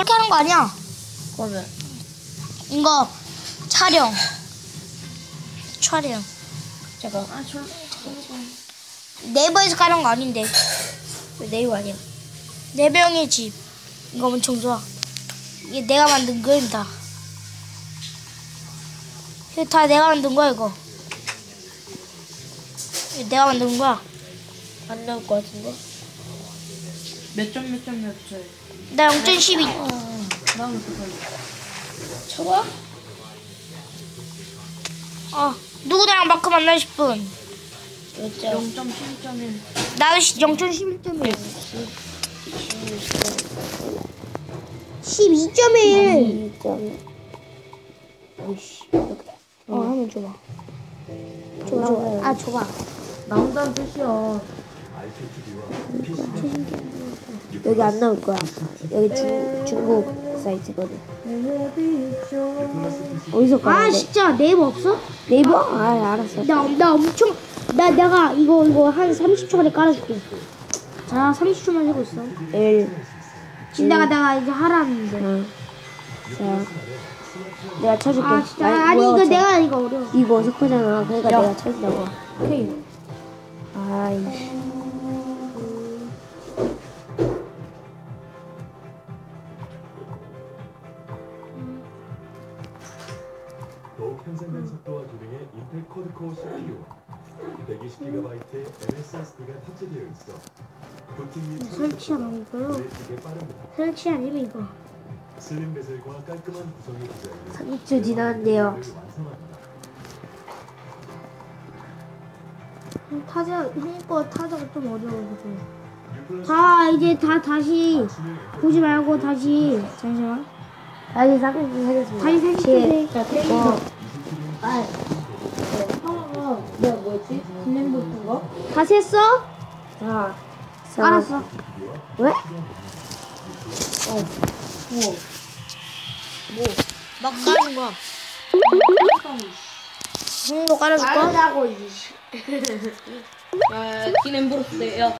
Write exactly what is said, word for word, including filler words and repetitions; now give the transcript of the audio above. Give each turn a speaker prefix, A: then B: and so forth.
A: 그렇게 하는 거 아니야.
B: 그러면
A: 이거 촬영. 촬영.
B: 잠깐. 아, 저
A: 네이버에서 깔은 거 아닌데.
B: 왜 네이버 아니야?
A: 네명의 집. 이거 엄청 좋아. 이게 내가 만든 거야, 다. 이거 다 내가 만든 거야, 이거. 이거 내가 만든 거야.
B: 안 나올 것 같은데?
C: 몇 점 몇 점 몇 점.
A: 나 영 점 십이.
C: 나는 그걸.
B: 저거?
A: 어, 누구랑 마크 만나고 싶은.
B: 몇 점?
C: 영 점 십이 점 일.
A: 나도 영 점 십일 점 일. 십이 점 일.
B: 이 점. 오이씨.
A: 어, 한번 줘봐. 줘봐, 줘봐. 아, 줘봐.
C: 나온다는 뜻이야.
B: 여기 안 나올 거야. 여기 중, 중국 사이트거든. 어디서
A: 아,
B: 가는데?
A: 진짜 네이버 없어?
B: 네이버? 아, 알았어.
A: 나, 나 엄청, 나, 내가 이거, 이거 한 삼십 초 만에 깔아줄게. 자, 삼십 초만 하고 있어.
B: 일.
A: 지금 내가, 내가 이제 하라는데.
B: 응. 자, 내가 쳐줄게.
A: 아, 진짜.
B: 아니,
A: 아니,
B: 뭐야,
A: 이거
B: 쳐.
A: 내가, 이거 어려워.
B: 이거 어색하잖아. 그러니까
C: 야.
B: 내가 쳐준다고.
C: 오케이.
B: 아이씨.
D: 더욱 향상된 속도와 기능의 인텔 쿼드코어 씨피유, 백이십 기가바이트의 엠에스에스디가 탑재되어 있어 부팅 및
A: 설치하면 이거요.
D: 되게 빠릅니다.
A: 설치 아니면 이거.
D: 슬림 베젤과 깔끔한 구성이 구성된
B: 삼십 초 지났는데요.
D: 완성합니다.
A: 타자, 형거 타자가 좀 어려워. 다, 이제 다 다시 보지 말고 다시. 잠시만.
B: 다시 삼십 초 하겠습니다.
A: 다시 삼십 초 돼.
B: 자, 어. 아,
C: 하나가 내가 뭐였지? 블렌드 같은 거?
A: 다시 했어?
B: 자, 자.
A: 알았어.
B: 왜?
C: 우와.
A: 막 깔아준 거야. 형도 깔아줄 거야?
B: 말하자고, 이씨.
C: 아, 기냄 브로스 야.